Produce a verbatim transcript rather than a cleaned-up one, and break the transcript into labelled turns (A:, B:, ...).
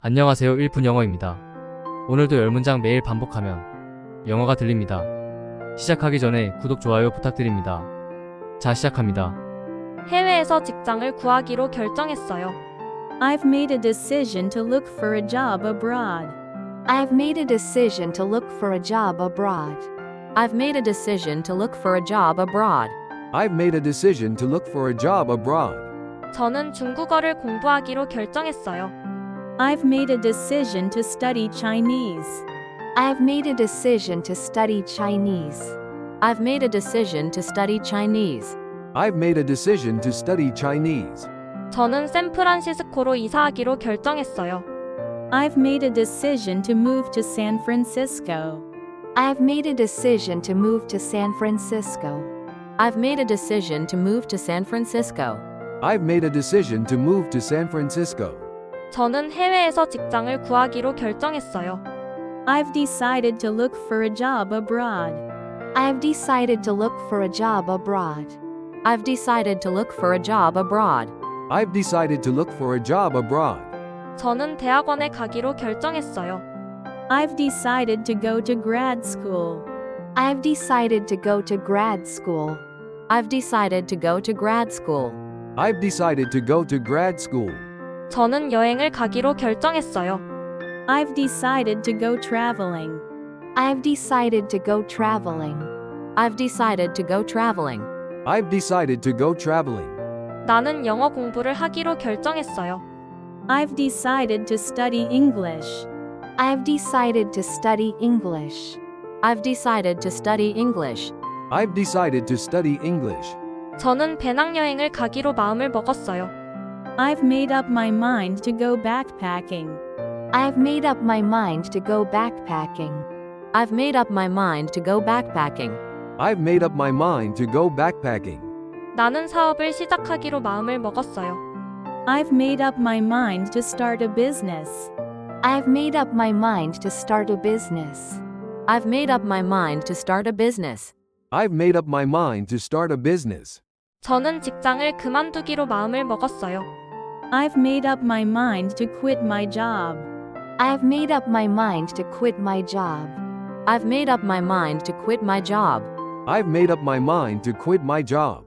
A: 안녕하세요. 일 분 영어입니다. 오늘도 열 문장 매일 반복하면 영어가 들립니다. 시작하기 전에 구독, 좋아요 부탁드립니다. 자, 시작합니다.
B: 해외에서 직장을 구하기로 결정했어요.
C: I've made a decision to look for a job abroad.
D: I've made a decision to look for a job abroad.
E: I've made a decision to look for a job abroad.
F: I've made a decision to look for a job abroad.
B: 저는 중국어를 공부하기로 결정했어요.
C: I've made a decision to study Chinese.
D: I've made a decision to study Chinese.
E: I've made a decision to study Chinese.
F: I've made a decision to study Chinese.
B: 저는 샌프란시스코로 이사하기로 결정했어요.
C: I've made a decision to move to San Francisco.
D: I've made a decision to move to San Francisco.
E: I've made a decision to move to San Francisco.
F: I've made a decision to move to San Francisco.
B: 저는 해외에서 직장을 구하기로 결정했어요.
C: I've decided to look for a job abroad.
D: I've decided to look for a job abroad.
E: I've decided to look for a job abroad.
F: I've decided to look for a job abroad.
B: 저는 대학원에 가기로 결정했어요.
C: I've decided to go to grad school.
D: I've decided to go to grad school.
E: I've decided to go to grad school.
F: I've decided to go to grad school.
B: 저는 여행을 가기로 결정했어요.
C: I've decided to go traveling.
D: I've decided to go traveling.
E: I've decided to go traveling.
F: I've decided to go traveling.
B: 나는 영어 공부를 하기로 결정했어요.
C: I've decided to study English.
D: I've decided to study English.
E: I've decided to study English.
F: I've decided to study English.
B: 저는 배낭여행을 가기로 마음을 먹었어요.
C: I've made up my mind to go backpacking.
D: I've made up my mind to go backpacking.
E: I've made up my mind to go backpacking.
F: I've made up my mind to go backpacking.
B: 나는 사업을 시작하기로 마음을 먹었어요.
C: I've made up my mind to start a business.
D: I've made up my mind to start a business.
E: I've made up my mind to start a business.
F: I've made up my mind to start a business.
B: 저는 직장을 그만두기로 마음을 먹었어요.
C: I've made up my mind to quit my job.
D: I've made up my mind to quit my job.
E: I've made up my mind to quit my job.
F: I've made up my mind to quit my job.